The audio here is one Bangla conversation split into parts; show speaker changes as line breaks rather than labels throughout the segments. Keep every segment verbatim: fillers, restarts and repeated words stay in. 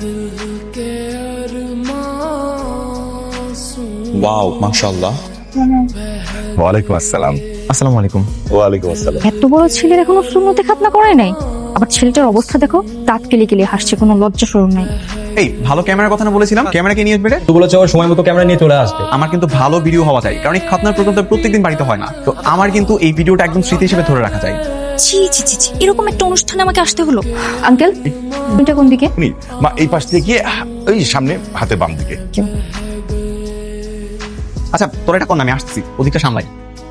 ওয়াও মাশাআল্লাহ।
ওয়ালাইকুম আসসালাম।
আসসালামু আলাইকুম।
ওয়ালাইকুম আসসালাম।
এত বড় ছেলের এখনো সুন্নতে খাতনা করে নাই, আবার ছেলেটার অবস্থা দেখো, দাঁত কেলে কেলে হাসছে, কোনো লজ্জা শরম নাই।
এই ভালো ক্যামেরার কথা না বলেছিলাম, ক্যামেরা কে নিয়ে আসবে রে?
তো বলেছে ওর সময় মতো ক্যামেরা নিয়ে চলে আসবে।
আমার কিন্তু ভালো ভিডিও হওয়া চাই, কারণ এই খাতনার প্রোগ্রামটা প্রত্যেকদিন বাড়িতে হয় না। তো আমার কিন্তু এই ভিডিওটা একদম স্মৃতি হিসেবে ধরে রাখা যায়।
ছি ছি ছি ছি, এরকম একটা অনুষ্ঠানে আমাকে আসতে হলো। আঙ্কেল, এটা কোন দিকে?
উনি মা এই পাশ থেকে গিয়ে ওই সামনে হাতে বাম দিকে।
আচ্ছা তোর এটা কোন, আমি আসছি, ওদিকটা সামলাই।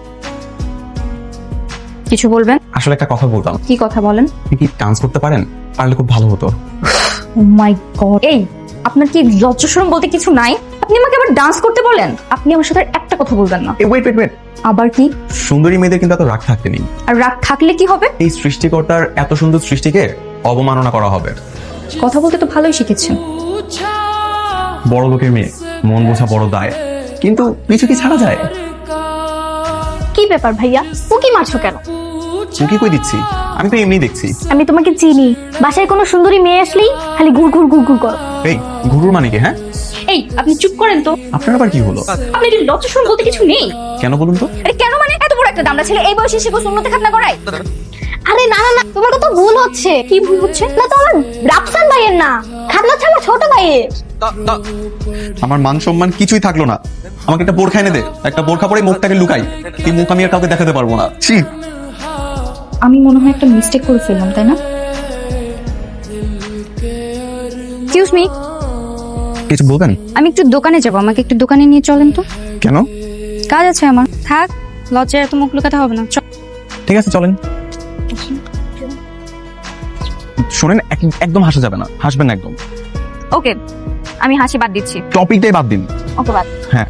কিছু বলবেন?
আসলে একটা কথা বলতাম।
কি কথা বলেন?
আপনি কি ডান্স করতে পারেন? পারলে খুব ভালো হতো।
ও মাই গড, এই আপনার কি লজ্জা শরম বলতে কিছু নাই? আপনি আমাকে আবার ডান্স করতে বলেন? আপনি আমার সাথে একটা কথা বলবেন না।
এই ওয়েট ওয়েট ওয়েট,
আবার কি?
সুন্দরী মেয়েদের কিন্তু এত রাগ থাকতে নেই।
আর রাগ থাকলে কি হবে?
এই সৃষ্টিকর্তার এত সুন্দর সৃষ্টিকে অবমাননা করা হবে।
কথা বলতে তো ভালোই শিখেছেন।
বড় লোকের মেয়ে, মন বোঝা বড় দায়, কিন্তু কিছু কি ছাড়া যায়?
কি ব্যাপার ভাইয়া, উকি মারছো কেন?
চুকি কই দিচ্ছি, আমি তো এমনি দেখছি।
আমি তোমাকে চিনি, বাসায় কোনো সুন্দরী মেয়ে আসলেই খালি ঘুর ঘুর ঘুর ঘুর করো।
এই গুরুর মানে কি? হ্যাঁ
এই আপনি চুপ করেন তো।
আপনার আবার কি হলো?
আপনি কি লজ্জা শরম বলতে কিছু নেই?
কেন বলুন তো?
আরে কেন মানে, এত বড় একটা দামড়া ছেলে এই বয়সে সে সুন্নতে খাতনা করায়? আরে না না না, তোমার কথা ভুল হচ্ছে। কি ভুল হচ্ছে? না তো আমার রাফসান ভাইয়ের না, খাতনা হচ্ছে আমার ছোট ভাইয়ের।
আমার মান সম্মান কিছুই থাকলো না। আমাকে একটা বোরখা এনে দে, একটা বোরখা পরে মুখটাকে লুকাই। এই মুখ আমি আর কাউকে দেখাতে পারবো না। ছি।
আমি মনে হয় একটা মিস্টেক করে ফেললাম, তাই না? এক্সকিউজ মি,
কিছু বলবেন?
আমি একটু দোকানে যাব, আমাকে একটু দোকানে নিয়ে চলেন তো।
কেন?
কাজ আছে আমার। থাক, লজ্জায় এত মুখ লুকাতে হবে না। চল।
ঠিক আছে চলেন। শোনেন, এক- একদম হাসা যাবে না, হাসবেন না একদম।
ওকে, আমি হাসি বাদ দিচ্ছি।
টপিকটাই বাদ দিন।
ওকে বাদ।
হ্যাঁ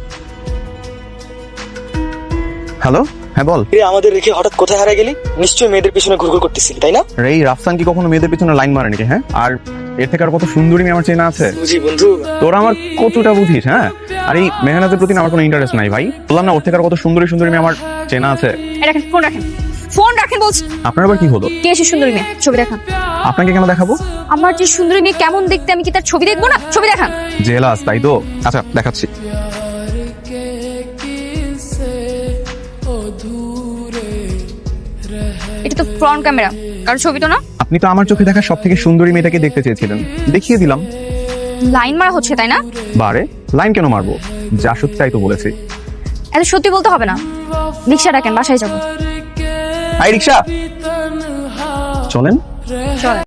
হ্যালো, হ্যাঁ বল।
এ আমাদের রেখে হঠাৎ কোথায় হারিয়ে গেলি? নিশ্চয়ই মেয়েদের পিছনে ঘুরঘুর করতেছিলি, তাই না?
রে এই রাফসান কি কখনো মেয়েদের পিছনে লাইন মারে নাকি? হ্যাঁ, আর এর থেকে আর কত সুন্দরী মেয়ে আমার চেনা আছে।
বুঝি বন্ধু।
তোরা আমার কতটা বুঝিস? হ্যাঁ, আর এই মেহনাতের প্রতি না আমার কোনো ইন্টারেস্ট নাই ভাই। বললাম না, ওর থেকে আর কত সুন্দরী সুন্দরী মেয়ে আমার চেনা আছে।
এই রাখেন, ফোন রাখেন, ফোন রাখেন বলছি।
আপনার আবার কি হলো?
কে এসে সুন্দরী মেয়ে? ছবি দেখান।
আপনাকে কেন দেখাবো?
আমার যে সুন্দরী মেয়ে কেমন দেখতে, আমি কি তার ছবি দেখবো না? ছবি দেখান।
জেলাস তাই তো? আচ্ছা দেখাচ্ছি।
এটা তো ফ্রন্ট ক্যামেরা, কারণ ছবি তো না।
আপনি তো আমার চোখে দেখা সব থেকে সুন্দরী মেয়েটাকে দেখতে চেয়েছিলেন, দেখিয়ে দিলাম।
লাইন মারা হচ্ছে, তাই না?
বারে লাইন কেন মারবো? যা সত্যি তাই তো বলেছি।
এত সত্যি বলতে হবে না। রিক্সা ডাকেন, বাসায় যাবো।
আই রিক্সা, চলেন।
চল।